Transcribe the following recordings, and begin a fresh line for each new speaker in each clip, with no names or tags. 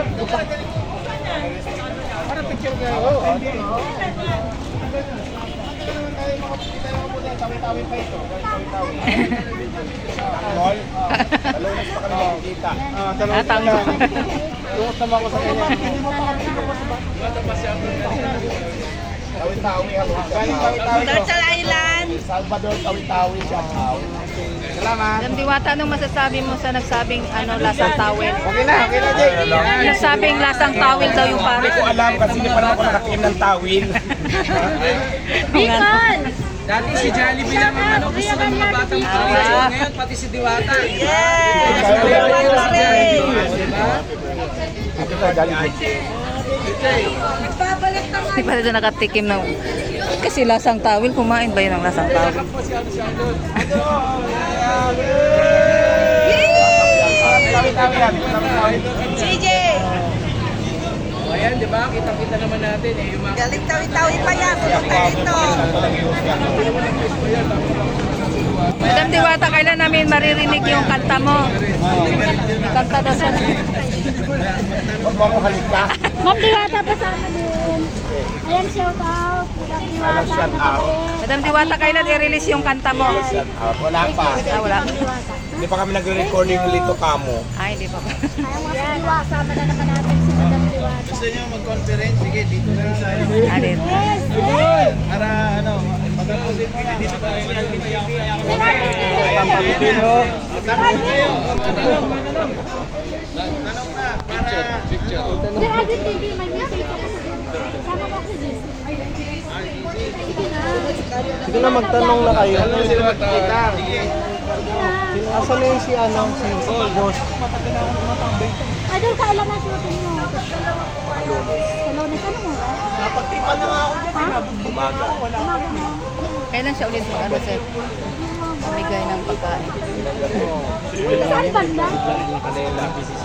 Para picture kayo. Tawin pa ito. Mall. Talunas pa kami nakikita. Talunas pa lang. Tungot naman ako sa kanya. Tawi-tawi ako. Galing tawi-tawi ko.
Turtle Island.
Salvador, tawi-tawi siya. Salamat.
Madam Diwata, anong masasabi mo sa nagsabing lasang tawel?
Okay na, Jake.
Nagsabing lasang tawel daw yung pare.
Hindi ko alam kasi hindi pa naman ako nakatingin ng tawil.
Bicol!
Dati si Jollibee lang ang gusto ng mga batang Pilipino. Ngayon pati si Diwata.
Yes!
Ito ka, Jollibee.
Hindi pa rin nakatikim ng... Kasi lasang tawil, kumain ba yun ang lasang tawil?
Tawi-tawi yan.
CJ!
Ayan, di ba? Kita-kita naman natin eh. Yung mga...
Galing tawi-tawi pa yan. Pumunta dito. Madam Diwata, kailan namin maririnig yung kanta mo? Kanta daw sa...
Huwag mo ako halika.
Ma'am Diwata, pasama din. Ayan, shout out. Madam
Alam,
Diwata,
shout out.
Madam Diwata, kailan i-release yung kanta mo?
Wala pa.
Wala.
Hindi pa kami nagre-recording ng Lito Kamo.
Ay, hindi pa ba?
Ayan, Diwata, sama na naman natin si Madam Diwata.
Gusto niyo mag-conference? Sige, dito na lang tayo.
Alin?
Yes, yes.
Para ano, mag-conference mo na. Dito tayo.
Sir Agit TV, may message ako sa din. Sama mo ako din. Sige na.
Sige na, magtanong na kayo.
Ano sila magkita?
Sige na.
Asan na yung si boss?
Idol, kailan na shooting mo? Sa Lones, ano mo?
Napagtipan na nga ako dyan.
Ha?
Umaga.
Umaga mo.
Kailan siya ulit mag-ano, sir? Bigay ng pagkain.
Saan banda?
Kanila, PCC.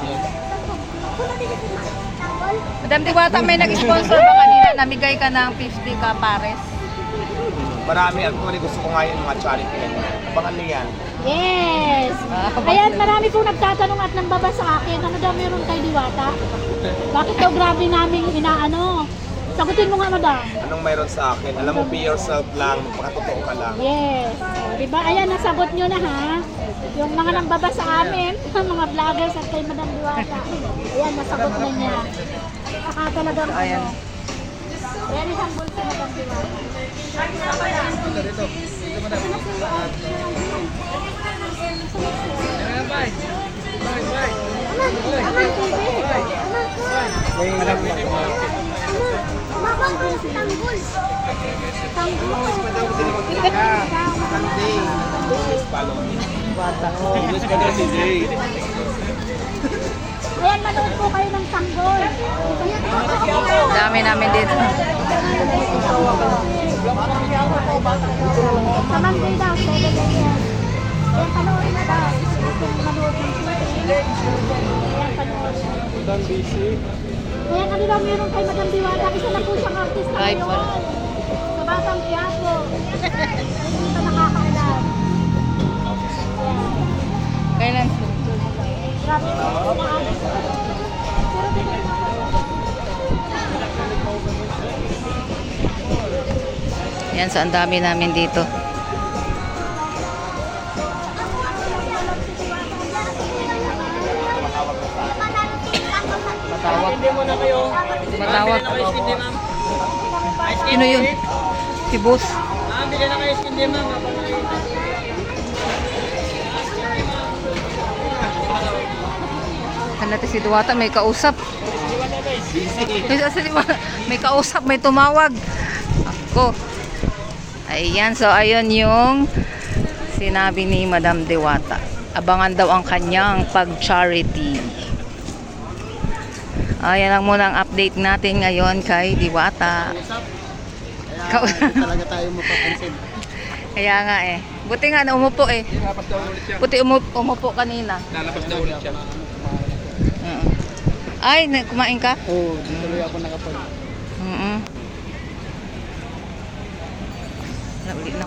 Madam Diwata, may nag-sponsor ba kanina? Namigay ka ng 50 ka pares?
Marami. Actually, gusto ko nga yung mga charity. Abangan niyo yan.
Yes! Ayan, marami pong nagtatanong at nambaba sa akin, ano daw meron kay Diwata? Bakit daw grabe namin inaano? Sagutin mo nga, madam.
Anong mayroon sa akin? Alam mo, be yourself lang. Magpakatotoo ka lang.
Yes. Diba? Ayan, nasagot nyo na ha. Yung mga nambaba sa amin, mga vloggers at kay Madam Diwata. Ayan, nasagot na niya. Saka talagang
Ayan.
very humble si Madam Diwata. Aman TV. Mabang ko si Tanggol. Tanggol. Ayan, manood po kayo ng Tanggol.
Dami namin dito.
Sa Monday daw, 7 a.m. Ayan, panoorin na daw. Kung manood ng shooting. Ayan, panoorin.
Dan busy.
Ayan, ano daw meron kay Madam Diwata? Isa na po siyang artista
Live
ngayon.
pala.
Sa Batang Quiapo. Hindi pa nakakailan. Ayan.
Kailan?
Grabe po. Maalis ko. Pero di ko
Yan, so ang dami namin dito. Matawag.
Hindi mo na kayo.
Matawag.
Bili na kayo skin ma'am.
Sino yun? Si boss.
Bili na kayo skin ma'am.
Natin si Diwata, may kausap. May kausap, may tumawag. Ako. Ayan, so ayun yung sinabi ni Madam Diwata. Abangan daw ang kanyang pag-charity. Ayan lang muna ang update natin ngayon kay Diwata.
Talaga tayo mapapansin.
Kaya nga eh. Buti nga na umupo eh. Buti umupo kanina.
Lalabas daw ulit siya.
Ay, kumain ka?
Oo, tuloy ako nakapag.
Naulit na